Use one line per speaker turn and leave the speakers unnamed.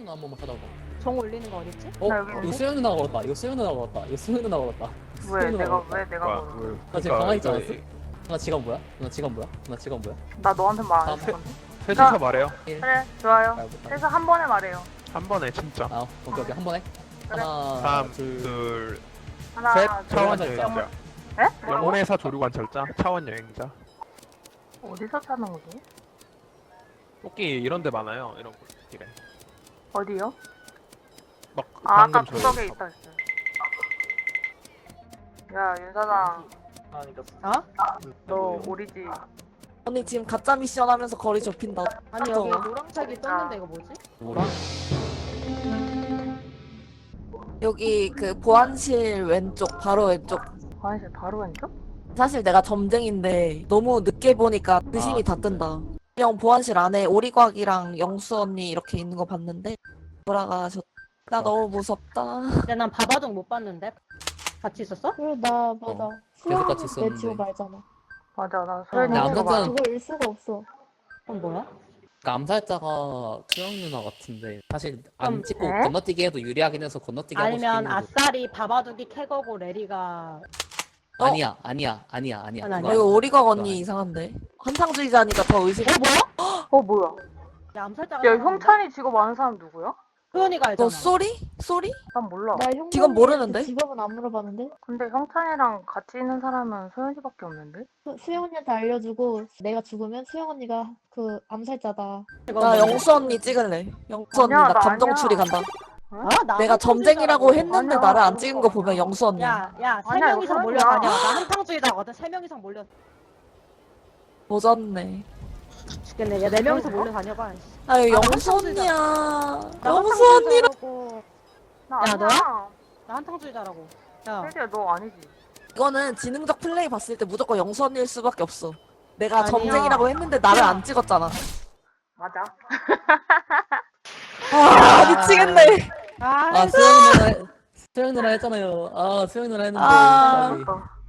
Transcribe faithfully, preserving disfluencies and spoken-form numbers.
누나 한 번만 찾아봐.
정 올리는 거 어딨지?
어?
나 여기
이거
있는데?
수영 누나가 걸었다. 이거 수영 누나가 걸었다. 이거 수영 누나가 걸었다.
왜
수영 누나가
내가
걸었다.
왜 내가
뭐야,
걸어?
왜,
나 지금
그러니까
가만히 있지
이거
않았어? 누나 지갑 뭐야? 누나 지갑 뭐야? 누나 지갑 뭐야?
나 너한테 말 안
아,
했을 건데.
셋이서 말해요.
그래 좋아요.
아, 못하네.
그래서 한 번에 말해요.
한 번에 진짜.
아, 오케이 오케이 한 번에.
그래.
하나,
삼,
둘,
둘,
하나
셋.
둘,
차원
셋.
여행자.
에? 뭐라고?
영혼회사 조류관찰자. 차원 여행자.
어디서 찾는 거지?
토끼 이런 데 많아요. 이런 길에.
어디요?
막
아 아까
방금
구석에
저희
있다 했어요. 야 윤사장
어?
너 오리지?
언니 지금 가짜 미션 하면서 거리 좁힌다.
아니 여기 노랑색이 떴는데 이거 뭐지?
뭐라?
여기 그 보안실 왼쪽 바로 왼쪽.
화장실 바로 왼쪽?
사실 내가 점쟁인데 너무 늦게 보니까 의심이
아,
다
진짜?
뜬다. 그냥 보안실 안에 오리곽이랑 영수 언니 이렇게 있는 거 봤는데 돌아가셨. 나
어.
너무 무섭다.
근데 난 바바둑 못 봤는데 같이 있었어?
그리고 나 맞아.
어, 계속 같이
수영은 내
있었는데.
지옥 알잖아.
맞아 나
어,
소연이
나
이거
아무튼-
봐.
그거 일 수가 없어.
그럼 뭐야?
그러니까 암살자가 수영 누나 같은데 사실 안
그럼-
찍고
에?
건너뛰기 해도 유리하긴 해서 건너뛰기 하고
아니면
싶긴 해도
아싸리 바바둑이 캐거고 레리가
어?
아니야 아니야 아니야 아니야
아니,
그거
아니야.
이거
아니야.
오리곽
그거
언니
아니야.
이상한데. 한상주의자니까 더 의심.
어 뭐야?
어 뭐야?
야 암살자가
야
사람인데?
형찬이 직업 아는 사람 누구야?
소연이가 알잖아.
너 쏘리? 쏘리?
난 몰라.
나 형.
직업 모르는데?
직업은 안 물어봤는데.
근데 형찬이랑 같이 있는 사람은 소연이밖에 없는데?
수, 수영 언니한테 알려주고 내가 죽으면 수영 언니가 그 암살자다.
이거
나
뭐야?
영수 언니 찍을래. 영수 언니
아니야,
나
나
감정
아니야.
추리 간다.
어? 나
내가 점쟁이라고
한탕주의자라고.
했는데
아니야.
나를 안 찍은 거 보면 영수 언니.
야, 야, 세
아니야,
명
이거
이상 몰려
소연이야.
다녀. 나 한탕주의자거든. 세 명 이상 몰려
보졌네.
죽겠네. 야, 네 명이서 몰려 다녀봐. 씨.
아유
아,
영수
한탕주의자.
언니야.
나
영수 언니라.
한탕주의자라고.
나
야,
아니야.
너야? 나 한탕주의자라고. 야,
세리야 너 아니지?
이거는 지능적 플레이 봤을 때 무조건 영수 언니일 수밖에 없어. 내가
아니야.
점쟁이라고 했는데 나를 안 찍었잖아.
맞아.
아 미치겠네.
아,
아 수영 누나 수영 누나 했잖아요 아 수영 누나 했는데
아.
까비.
어.